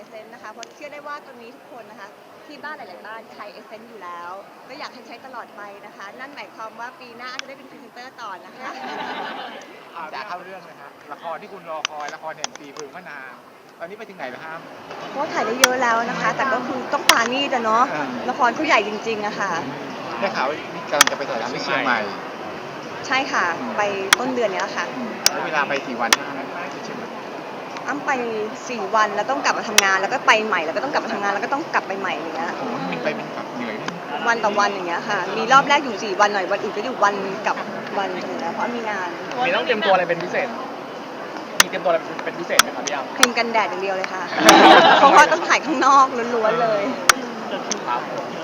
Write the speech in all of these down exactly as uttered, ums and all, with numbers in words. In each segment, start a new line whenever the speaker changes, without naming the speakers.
เซนต์นะคะเพราะเชื่อได้ว่าตัวนี้ทุกคนนะคะที่บ้านหลายๆบ้านใช้เอเซนต์อยู่แล้วก็อยากให้ใช้ตลอดไปนะคะนั่นหมายความว่าปีหน้าจะได้เป็นพรีเซนเตอร์ต่อนะคะ
อ่าจะเข้าเรื่องเลยฮะละครที่คุณรอคอยละครแห่งปีเพลิงมะนาวตอนนี้ไปถึงไหนแล้วครับ
เพราะว่าถ่ายได้เยอะแล้วนะคะ แต่ก็คือต้องปานี่แต่เนาะละครเขาใหญ่จริงๆอะค่ะ
ได้ข่าวว่านี่กำลังจะไปถ่ายทำที่เชียงใหม่
ใช่ค่ะไปต้นเดือนนี้แล้วค่ะ
แล้วเวลาไปกี่วันที่เชียงใหม่
อ้ำไปสี่วันแล้วต้องกลับมาทำงานแล้วก็ไปใหม่แล้วก็ต้องกลับมาทำงานแล้วก็ต้องกลับไปใหม่อย่างเงี้ย
โอ้โหบินไปบินกลับเหนื่อยไหม
วันต่อวันอย่างเงี้ยค่ะมีรอบแรกอยู่สี่วันหน่อยวันอื่นก็อยู่วันกับวันอย่างเงี้ยเพราะมีงาน
มีต้องเตรียมตัวอะไรเป็นพิเศษ มีเตรียมตัวอะไรเป็นพิเศษไหมครับพี่อ้ำ
ครีมกันแดดอย่างเดียวเลยค่ะ เพราะว่าต้องถ่ายข้างนอกล้วนๆเลย
ครับ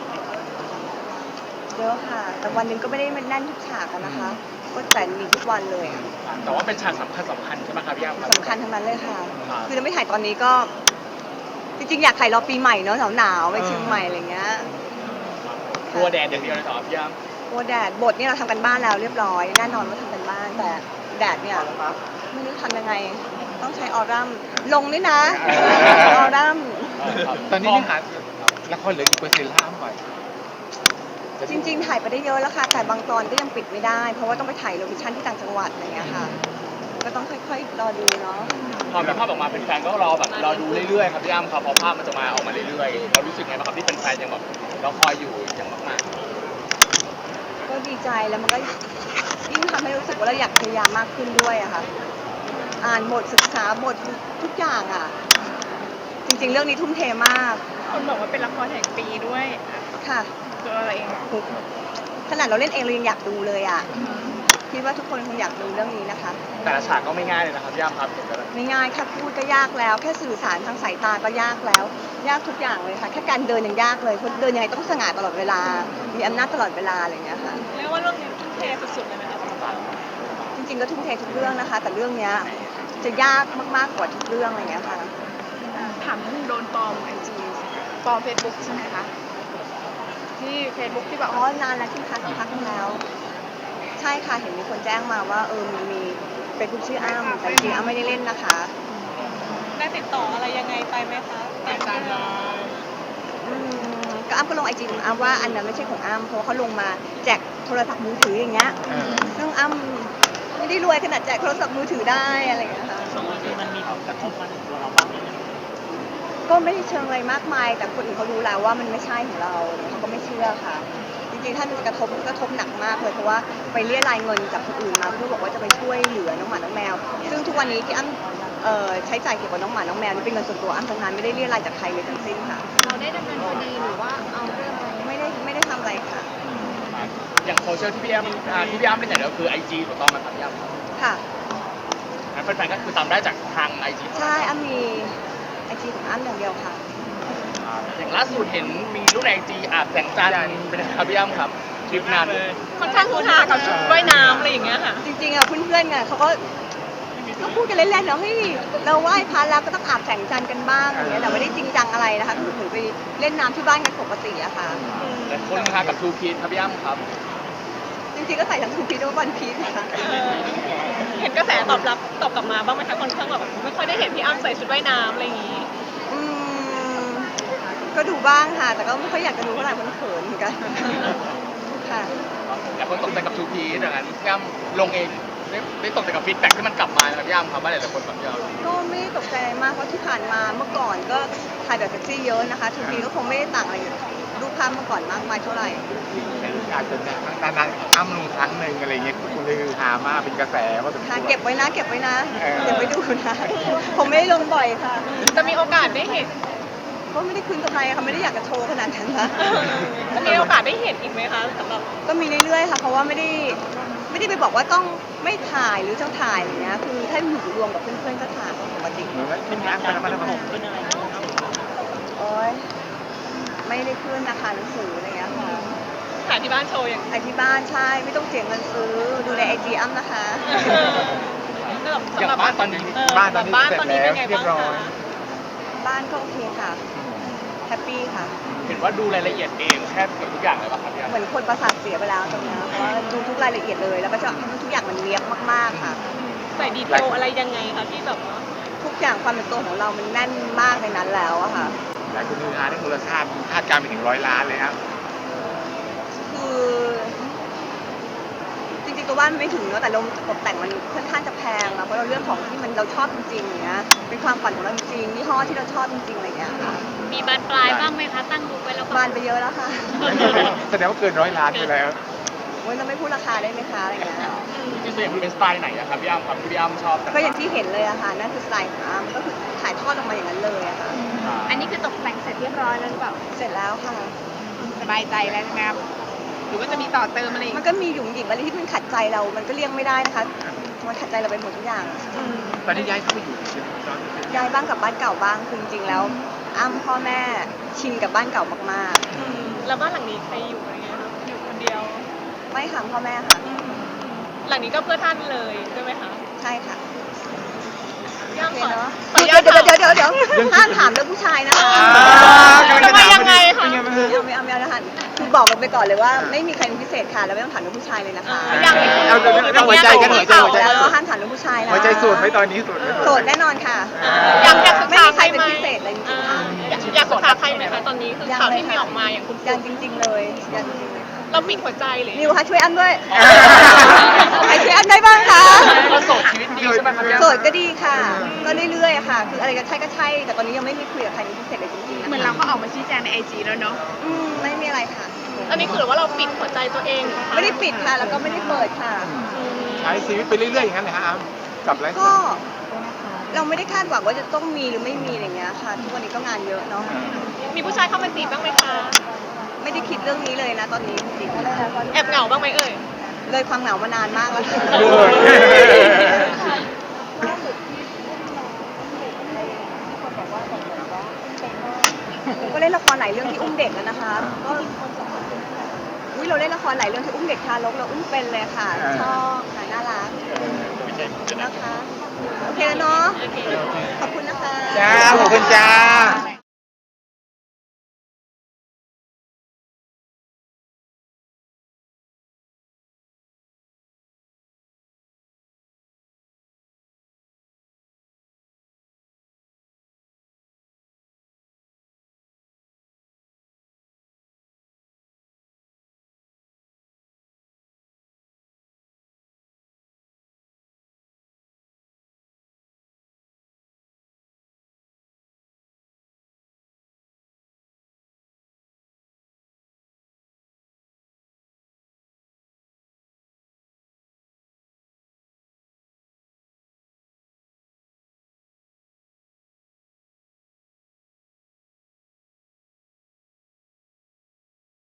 เยอะค่ะ แต่วันหนึ่งก็ไม่ได้มันแน่นทุกฉากอะนะคะ ก็แต่มีทุกวันเลยอะ
แต่ว่าเป็นฉากสำคัญสำคัญใช่ไหมครับพี่อ้ำครับ
สำคัญทั้งนั้นเลยค่ะ
ครับ
คือจะไม่ถ่ายตอนนี้ก็ จริงๆอยากถ่ายรอปีใหม่เนาะหนาวๆไปเชียงใหม่อะไรเงี้ย
กลัวแดดอย่างเดียวเลยเหรอพี่อ้ำ
กลัวแดดบทนี่เราทำกันบ้านแล้วเรียบร้อยแน่นอนว่าทำกันบ้านแต่แดดเนี่ยไม่รู้ทำยังไง ต้องใช้ออรัมลงด้วยนะออรัม
ตอนนี้เนื้อหาละครเหลือกี่เปอร์เซ็นต์แล้วไป
จริงๆถ่ายไปได้เยอะแล้วค่ะแต่บางตอนก็ยังปิดไม่ได้ เพราะว่าต้องไปถ่ายโลเคชั่นที่ต่างจังหวัดอะไรเงี้ยค่ะ ก็ต้องค่อยๆรอดูเนาะ
พอมีภาพออกมาเป็นแฟนๆก็รอแบบรอดูเรื่อยๆครับพี่อ้ำครับพอภาพมันจะมาออกมาเรื่อยๆเรารู้สึกไงบ้างครับที่เป็นแฟนยังแบบเราคอยอยู่อย่างมาก
ก็ดีใจแล้วมันก็ยิ่งทำให้รู้สึกว่าเราอยากพยายามมากขึ้นด้วยอะค่ะอ่านบทศึกษาบททุกอย่างอะจริงๆเรื่องนี้ทุ่มเทมาก
คนบอกว่าเป็นละครแห่งปีด้วย
ค่ะ
ตัวเราเอง
ขนาดเราเล่นเองเรายังอยากดูเลยอะคิดว่าทุกคนคงอยากดูเรื่องนี้นะคะ
ๆแต่ละฉากก็ไม่ง่ายเลยนะครับพี่อ้ำครับเห็นไหม
ไม่ง่ายแค่พูดก็ยากแล้ว แค่สื่อสารทางสายตาก็ยากแล้ว ยากทุกอย่างเลยค่ะ แค่การเดินยังยากเลยเพราะเดินยังไงต้องสง่าตลอดเวลา มีอำนาจตลอดเวลาอะไรอย่างเงี้ยค่ะ
เรียกว่าเรื่องนี้ทุ่มเทสุดๆเลยนะคะสำหรับเรา
จริงๆก็ทุ่มเททุกเรื่องนะคะ แต่เรื่องเนี้ยจะยากมากๆกว่าทุกเรื่องอะไรอย่างเงี้ยค่ะ
ถามเรื่องโดนปลอมไอจีปลอมเฟซบุ๊กใช่ไหมคะที่เฟซบุ๊กที่แบบ
อ๋อนานแล้วที่พักพักนึงแล้ว ใช่ค่ะเห็นมีคนแจ้งมาว่าเออมีมีเป็นคุณชื่ออ้ำแต่จริงๆอ้ำไม่ได้เล่นนะคะ
ได้ติดต่ออะไรยังไงไปไหมคะตามการเลย
อืมก็อ้ำก็ลงไอจีของอ้ำว่าอันนั้นไม่ใช่ของอ้ำเพราะว่าเขาลงมาแจกโทรศัพท์มือถืออย่างเงี้ยซึ่งอ้ำไม่ได้รวยขนาดแจกโทรศัพท์มือถือได้อะไรอย่างเงี้ยค่ะ
สองทีมันมีผลกระทบมาถึงตัวเราบ้างไหม
ก็ไม่ได้เชิงอะไรมากมาย แต่คนอื่นเขารู้แล้วว่ามันไม่ใช่ของเราเขาก็ไม่เชื่อค่ะ จริงๆถ้ามันจะกระทบก็กระทบหนักมากเลยเพราะว่าไปเรียรายเงินจากคนอื่นมาเพื่อบอกว่าจะไปช่วยเหลือน้องหมาน้องแมว ซึ่งทุกวันนี้ที่อ้ำเอ่อใช้จ่ายเกี่ยวกับน้องหมาน้องแมวนี่เป็นเงินส่วนตัวอ้ำทั้งนั้นไม่ได้เรียรายจากใครเลยทั้งสิ้นค่ะ
เราได้ดำเนินคดีหรือว่าเอาเรื่องอะไร
ไม่ได้ไม่ได้ทำอะไรค่ะ
อย่างโซเชียลที่พี่อ้ำอ่าที่พี่อ้ำเล่นอย่างเดียวคือไอจีถูกต้องไหมครับพี่อ้ำครับ
ค่ะ
งั้นแฟนๆก็คือตามได้จากทางไอจี
ใช่อ้ำมีไอจีของอ้ำอย่างเดียวค่ะ
อย่างล่าสุดเห็นมีรูปในไอจีอาบแสงจันทร์เป็นไงครับพี่อ้ำครับคลิปนั้น
ค่อนข้างฮือฮากับชุดว่ายน้ำอะไรอย่างเงี้ยค่ะ
จริงๆอ่ะเพื่อนๆไงเขาก็ก็พูดกันเล่นๆเนาะเฮ้ยเราไหว้พระแล้วก็ต้องอาบแสงจันทร์กันบ้างอย่างเงี้ยแต่ไม่ได้จริงจังอะไรนะคะคือเหมือนไปเล่นน้ำที่บ้านกันปกติอะค่ะ
แต่คนฮือฮากับทูพีทครับพี่อ้ำครับ
จริงๆก็ใส่ทั้งทูพีด้วยวันพีชนะคะ
เออเห็นกระแสตอบรับตอบกลับมาบ้างไหมคะคนข้างแบบไม่ค่อยได้เห็นพี่อ้ำใส่ชุดว่ายน้ำอะไรอย่างงี้
อืมก็ดูบ้างค่ะ แต่ก็ไม่ค่อยอยากจะดูเท่าไหร่มันเขินเหมือนกันค่ะ
แต่คนตกใจกับทูพีทอย่างนั้นพี่อ้ำลงเองได้ได้ตกใจกับฟีดแบ็กที่มันกลับมานะครับพี่อ้ำครับว่าหลายๆคนแบบพี่อ้ำ
ก็ไม่ได้ตกใจอะไรมากเพราะที่ผ่านมาเมื่อก่อนก็ถ่ายแบบเซ็กซี่เยอะนะคะทูพีก็คงไม่ได้ต่างอะไรรูปภาพเมื่อก่อนมากมายเท่าไหร่
อาจจะเนี่ยนานๆอ้ำลงครั้งหนึ่งอะไรเงี้ยคุณเลยหามากเป็นกระแสว่าสมคว
ค่ะ
ร
เก็บไว้นะเก็บไว้นะ
เออ
เก็บไว้ดูนะผมไม่ได้ลงบ่อยค่ะ
จะมีโอกาสได้เห็น
ก็ไม่ได้คืนกำไรค่ะไม่ได้อยากจะโชว์ขนาดนั้นนะ
จะมีโอกาสได้เห็นอีกไหมคะสำหรับ
ก็มีเรื่อยๆค่ะเพราะว่าไม่ได้ไม่ได้ไปบอกว่าต้องไม่ถ่ายหรือจะถ่ายอย่างเงี้ยคือถ้าอยู่รวมกับเพื่อนๆก็ถ่ายปกติ
เหมือนว่าเป็นงานเป็นอะไรมา
โอ๊ยไม่ได้ขึ้นนะคะหนังสืออะไรเงี้ยค่ะ
ถ่ายที่บ้านโชว์อย่าง
ถ่ายที่บ้านใช่ไม่ต้องเสียเงินซื้อดูในไอจีอ้ำนะคะ
สำหรับบ้านตอนนี้
บ้านตอนนี้
บ้าน
เสร็จ
ตอนนี้
แล้
เป็
วน
ไง
เรีย
บ้าง
บร้อย
คะ
บ้านก็โอเคค่ะแฮปปี้ค่ะ
เห็นว่าดูรายละเอียดเองแทบเกือบทุกอย่างเลยป่ะครับพี่อ้ำ
เหมือนคนประสาทเสียไปแล้วตรงเนี้ยเพราะว่าดูทุกรายละเอียดเลย แล้วก็จะให้ทุกอย่างมันเนียบมากๆค่ะ
ใส่ดีเทลอะไรยังไงคะที่แบบว่า
ทุกกอย่างความเป็นตัวของเรามันแน่นมากในนั้นแล้วอะค่ะ
หลายคนฮือฮาเรื่องมูลค่าคาดการณ์ไปถึงร้อยล้านเลยครับ
คือจริงๆตัวบ้านมันไม่ถึงเนอะแต่เราตกแต่งมันค่อนข้างจะแพงอะเพราะเราเรื่องของที่มันเราชอบจริงๆอย่างเงี้ยเป็นความฝันของเราจริงๆยี่ห้อที่เราชอบจริงๆอะไรอย่างเงี้ยค่ะ
มีบานปลายบ้างไหมคะ ตั้งดูไว้แล้ว
บานไปเยอะแล้วค่ะ
แสดงว่าเกินร้อยล้านไปแล้ว
โอ้ยเราไม่พูดราคาได้ไหมคะอะไรอย่างเงี้ย
จริงๆตัวอย่างมันเป็นสไตล์ไหนอะครับพี่อ้ำครับที่พี่อ้ำชอบ
ก็อย่างที่เห็นเลยอะค่ะนั่นคือสไตล์ของอาร์มก็คือถ่ายทอดออกมาอย่างนั้นเลยอะค่ะ
อันนี้คือตกแต่งเสร็จเรียบร้อยแล้วหรือเปล่า
เสร็จแล้วค่ะ
สบายใจแล้วใช่ไหมครับหรือว่าจะมีต่อเติมอะไรอีก
มันก็มีหยุ่มหยิบอะไรที่มันขัดใจเรา มันก็เลี่ยงไม่ได้นะคะมันขัดใจเราไปหมดทุกอย่าง
ตอนนี้ย้ายเข้าไปอยู่ใช่ไหมครับ
ย้ายบ้านกลับบ้านเก่าบ้างคือจริงๆแล้วอ้ำพ่อแม่ชินกับบ้านเก่ามาก
แล้วบ้านหลังนี้ใครอยู่อะไรเงี้ยคะอยู่คนเดียว
ๆไม่ค่ะพ่อแม่ค่ะ
หลังนี้ก็เพื่อท่านเลยใช่ไหมคะ
ใช่ค่ะ
ย่าง
โอเค
ก่อน
เนาะ
ขออนุ
เดี๋
ญา
ยว
ต
เดี๋ยว
ถาม
เดี๋ยวเดี๋ยวเดี๋ยวห้ามถามเรื่องผู้ชายนะคะ
ทำไมยังไงคะ
เป็นไงบ้างฮะ
ไม่เอาไม่เอาไม่เอานะคะคือบอกกันไปก่อนเลยว่าไม่มีใครเป็นพิเศษค่ะแล้วไม่ต้องถามเรื่องผู้ชายเลยนะคะ
ยัง
เอาเรื่องหัวใจกันหัวใจหัวใจ
แล้วก็ห้ามถามเรื่องผู้ชายนะ
หัวใจสูดไหมตอนนี้สูดไหม
โสดแน่นอนค่ะ
อยากอยากศึก
ไม่
ษา
มี
ใค
ใค
ร
รเป็น
ไหม
พิเศษอะไรจริงๆค่ะ
อยากอยากศึกษาใครไหมคะตอนนี้คือข่าวที่มีออกมาอย่างคุณ
ยังจริง ๆ เลยยังจริงๆเลยค่ะ
เราปิดหัวใจหรือ
นิวคะช่วยอ้ำด้วยใครช่วยอ้ำได้บ้างคะ
ก็โสดชีวิตดีใช่ไหมครับพี่อ้ำ
โสดก็ดีค่ะ ก็เรื่อยๆอะค่ะ คืออะไรก็ใช่ก็ใช่ แต่ตอนนี้ยังไม่มีคุยกับใครเป็นพิเศษเลยจริงๆนะคะ
เหมือนเราก็ออกมาชี้แจงในไอจีแล้วเนาะ
อืมไม่มีอะไรค่ะ
อันนี้คือหรือว่าเราปิดหัวใจตัวเองเหรอคะ
ไม่ได้ปิดค่ะ แล้วก็ไม่ได้เปิดค่ะ
ใช้ชีวิตไปเรื่อยๆอย่างนั้นเลยฮะอ้ำกับไลฟ์สไต
ก็
ล์
เราไม่ได้คาดหวังว่าจะต้องมีหรือไม่มีอะไรอย่างเงี้ยค่ะ ทุกวันนี้ก็งานเยอะเนาะ
มีผู้ชายเข้ามาจีบบ้างไหมคะ
ไม่ได้คิดเรื่องนี้เลยนะตอนนี้จริงๆ
แอบเหงาบ้างไหมเอ่ย
เลยความเหงามานานมากแล้วค่ะ ก็เล่นละครหลายเรื่องที่อุ้มเด็กแล้วนะคะก็อุ้ยเราเล่นละครหลายเรื่องที่อุ้มเด็กทารกเราอุ้มเป็นเลยค่ะ ชอบค่ะน่ารักนะคะ โอเคแล้วเนาะ ขอบคุณนะคะ
จ้าขอบคุณจ้า